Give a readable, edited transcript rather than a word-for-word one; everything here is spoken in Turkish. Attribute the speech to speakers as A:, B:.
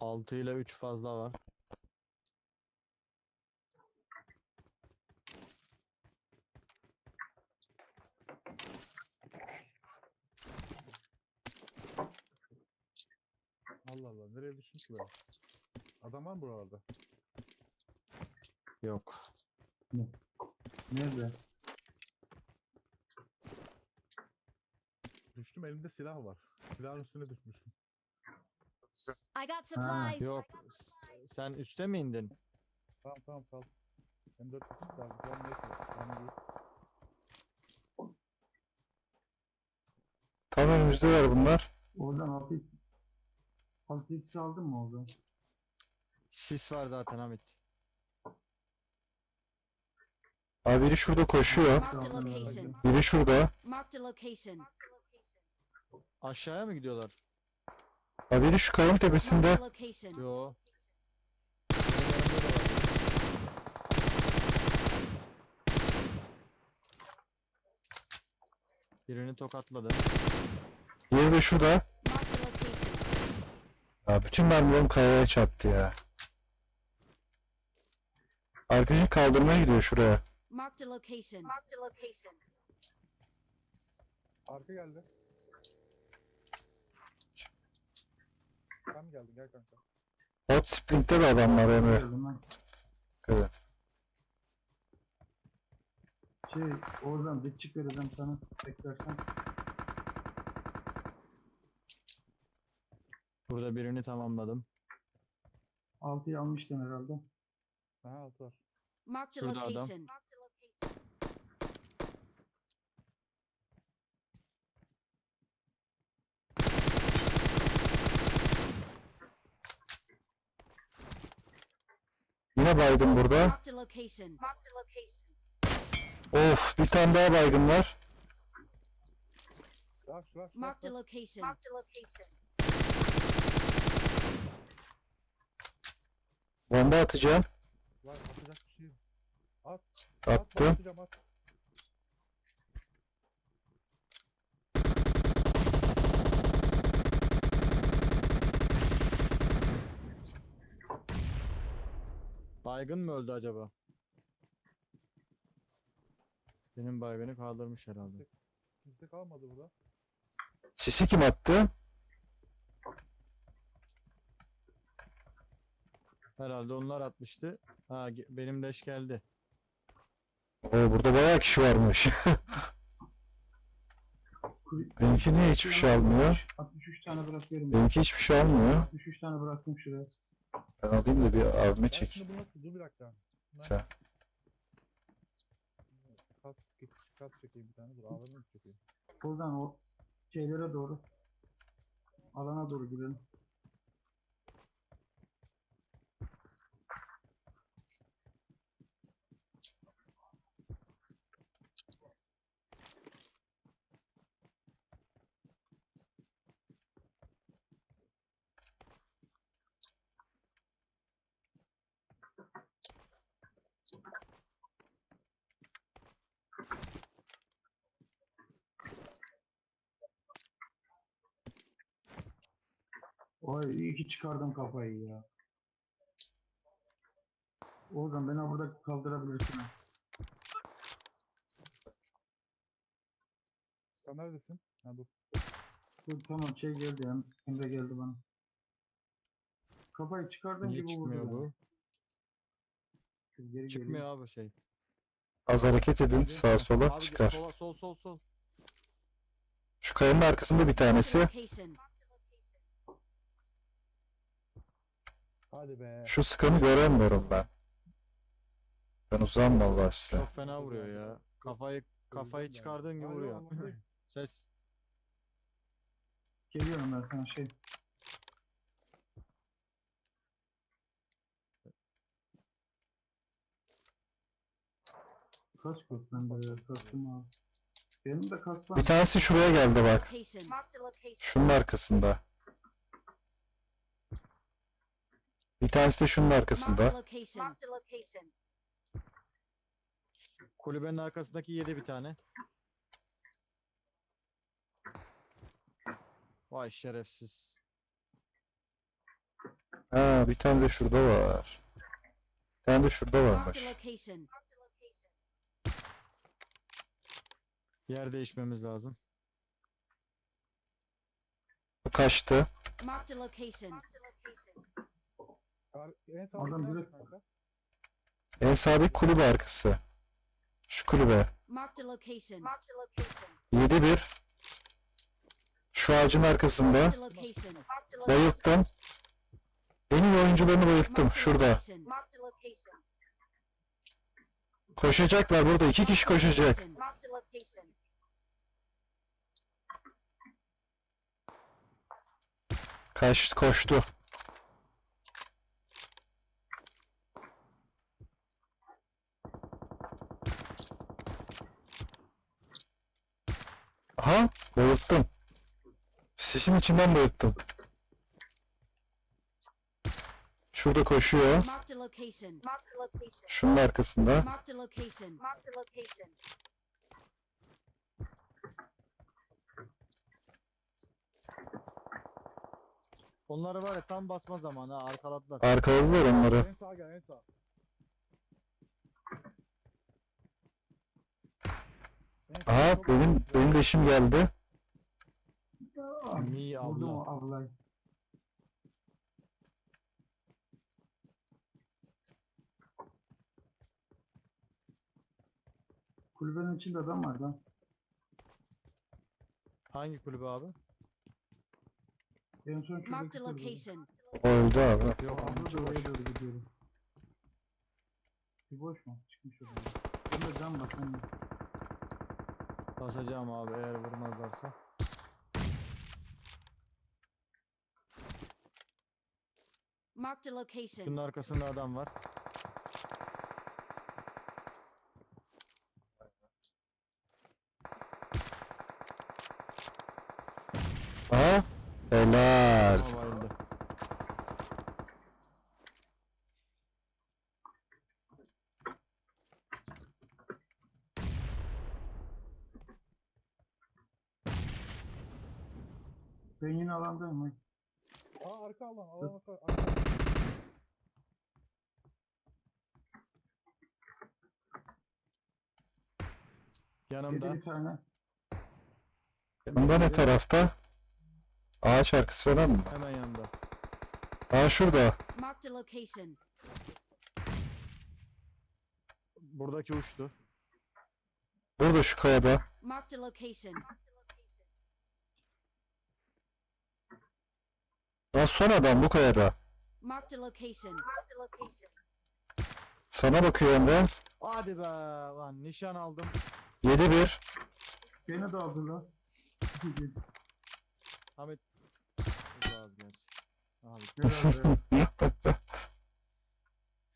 A: 6 ile 3 fazla var.
B: Allah Allah, nereye düştün ki böyle? Adam var mı buralarda?
A: Yok.
C: Nerede?
B: Düştüm, elimde silah var. Silahın üstüne düşmüşüm.
D: I got
C: Ha.
D: supplies.
A: Yok. Sen üste mi indin?
B: Tamam tamam, sal. M4 tutmuş da güzel neyse. Önemli değil.
E: Tam önümüzdeler bunlar.
C: Oradan 6x aldın mı oradan?
A: Sis var zaten Hamit.
E: Abi biri şurada koşuyor.
D: Marked a location.
E: Biri şurada.
D: Marked a location.
A: Aşağıya mı gidiyorlar?
E: Abi biri şu kayanın
D: Marked
E: tepesinde.
D: a location.
A: Yo. Birini tokatladı.
E: Diğeri de şurada.
D: Marked a location.
E: Ya bütün mermilerim kayaya çarptı ya. Arkadaşım kaldırmaya gidiyor şuraya.
D: Marked a location. Marked a location.
B: Arka geldi. Sen mi geldin? Gel kanka.
E: Hot Sprint'te de adam var Emre.
C: Gördüm ben.
E: Evet.
C: Oradan bir çık vereceğim sana. Beklersen.
A: Burada birini tamamladım.
C: 6'yı almıştın herhalde.
B: Aha, altı var.
D: Marked a
A: Şurada adam.
D: location.
E: Yine baydım burada.
D: Marked a location. Marked a location.
E: Of, bir tane daha baygın var.
B: Rush.
D: Marked a location. Marked a location.
E: Bomba atacağım.
B: Var, atacak bir şey yok. At.
E: Attım.
B: Atacağım, at.
A: Baygın mı öldü acaba? Benim baygını kaldırmış herhalde.
B: Kimse kalmadı burada.
E: Sisi kim attı?
A: Herhalde onlar atmıştı. Ha benim leş geldi.
E: Oo, burada bayağı kişi varmış. Benimki niye hiçbir şey almıyor?
C: 63 tane bırakıyorum.
E: Benimki hiçbir şey almıyor.
C: 63 tane bıraktım şuraya.
E: Ben alayım da bir abime
B: Ben
E: çek.
B: şimdi bu nasıl? Dur bir dakika.
E: Sen.
B: Kas çekeyim bir tane. Dur, ağlarını mı çekeyim?
C: Buradan o şeylere doğru. Alana doğru gidelim. Oy iyi ki çıkardım kafayı ya. Oradan beni burada kaldırabilirsin. ha.
B: Sen neredesin? Ha, dur.
C: Dur tamam geldi ya. Emre geldi bana. Kafayı çıkardığım
A: Niye
C: gibi
A: çıkmıyor
C: vurdu beni.
A: bu?
C: Dur, geri
A: Çıkmıyor
C: geleyim.
A: abi şey.
E: Az hareket edin sağa sola
A: Abi
E: çıkar.
A: sol.
E: Şu kayanın arkasında bir
D: Marked a
E: tanesi.
D: location.
B: Hadi be.
E: Şu sıkanı göremiyorum ben. Ben uzağım vallahi size.
A: Çok fena vuruyor ya. Kafayı çıkardığın gibi
B: Hayır,
A: vuruyor.
B: anlamdayım.
A: Ses.
C: Geliyorum ben sana Kask yok bende ya. Kaskım al. Benim de kask var.
E: Bir tanesi şuraya geldi bak.
D: Location. Marked a location.
E: Şunun arkasında. Bir tanesi de şunun
D: Marked a
E: arkasında.
D: location. Marked a location.
A: Kulübenin arkasındaki yedi bir tane. Vay şerefsiz.
E: Ha, bir tane de şurada var. Bir tane de şurada
D: Marked
E: varmış.
D: a location.
A: Yer değişmemiz lazım.
E: Bu kaçtı.
D: Marked a location.
B: En sağ
C: Adam
B: nerede
C: direkt-
B: kanka?
E: En sağdaki kulübe arkası. Şu kulübe.
D: Marked a location. Marked a location.
E: 7-1. Şu ağacın arkasında.
D: Marked a location. Marked a location.
E: Bayılttım. En iyi oyuncularını bayılttım.
D: Marked a
E: Şurada.
D: location. Marked a location.
E: Koşacaklar burada. 2 kişi koşacak.
D: Marked a location.
E: Koştu. Aha, bayılttım. Sisin içinden bayılttım. Şurada koşuyor.
D: Marked a location. Marked a location.
E: Şunun arkasında.
D: Marked a location. Marked a location.
A: Onları var ya tam basma zamanı ha, arkaladılar.
E: Arkaladılar onları.
B: En sağa gel en sağ. En sağ
E: Aha,
B: çok-
E: benim de işim geldi.
A: İyi
C: Vurdum
A: abla.
C: o ablayı. Kulübenin içinde adam var lan.
A: Hangi kulübe abi?
C: En son
D: Marked
C: şuradaki
D: a
C: kulübe.
D: location.
E: O öldü abi.
A: Yok
C: Abla
A: abi
C: da
A: boş.
C: oraya doğru gidiyorum. Bir boş mu? Çıkmış oraya. Bunda can bas sen de.
A: Basacağım abi eğer vurmazlarsa.
D: Marked a location.
A: Şunun arkasında adam var.
E: Aha, helal.
A: Ama bayıldı.
C: Ben yine alandayım. ha.
B: Aa arka alan arka.
A: Yanımda.
C: Yedi bir tane.
E: Bunda ne tarafta? Ağaç arkası falan mı?
A: Hemen yanında.
E: Aa, şurada.
D: Marked a location.
A: Buradaki uçtu.
E: Burada şu kayada.
D: Marked a location.
E: Lan son adam bu kayada.
D: Marked a location. Marked a location.
E: Sana bakıyor Emre.
A: Hadi be lan nişan aldım.
E: 7-1.
C: Beni de aldılar.
A: Ahmet. Uzağız gerçi. Abi
C: Helal be.